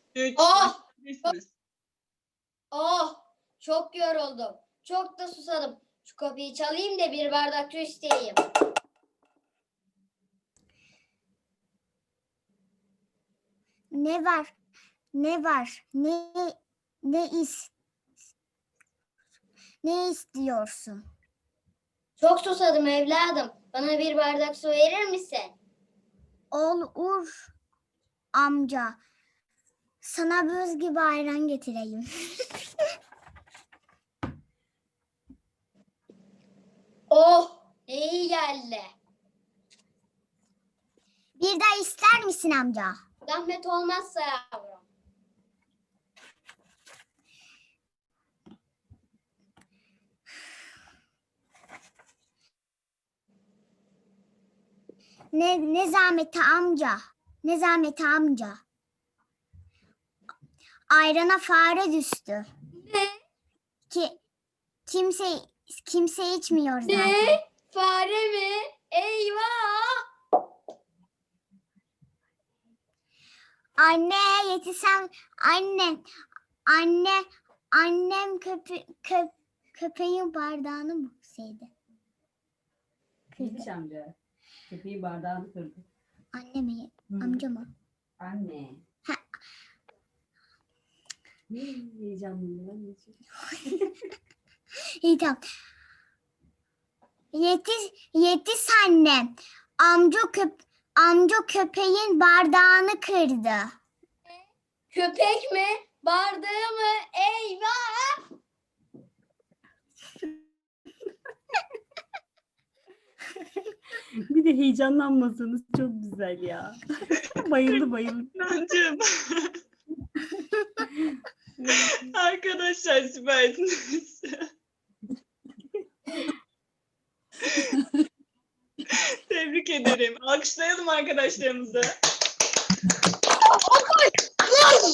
3. Oh! Başlayabilirsiniz. Oh! Çok yoruldum. Çok da susadım. Şu kapıyı çalayım da bir bardak su isteyeyim. Ne var? Ne var? Ne istiyorsun? Çok susadım evladım. Bana bir bardak su verir misin? Olur amca. Sana buz gibi ayran getireyim. Oh! Ne iyi geldi. Bir daha ister misin amca? Zahmet olmazsa yavrum. Ne zahmeti amca? Ne zahmeti amca? Ayrana fare düştü. Ne? Kimse içmiyor zaten. Ne? Fare mi? Eyvah! Anne yetişsem annem köpeğin bardağını mı sevdi? Yetiş amca. Köpeğin bardağını kırdı. Anne mi? Hı. Amca mı? Anne. Ha. Ne heyecanlıyım ben. İyi tamam. Yetiş anne. Amca köpeğin bardağını kırdı. Köpek mi? Bardağı mı? Eyvah! Bir de heyecanlanmasanız çok güzel ya. bayıldı. Nancığım. Arkadaşlar süpersiniz. Tebrik ederim. Alkışlayalım arkadaşlarımızı.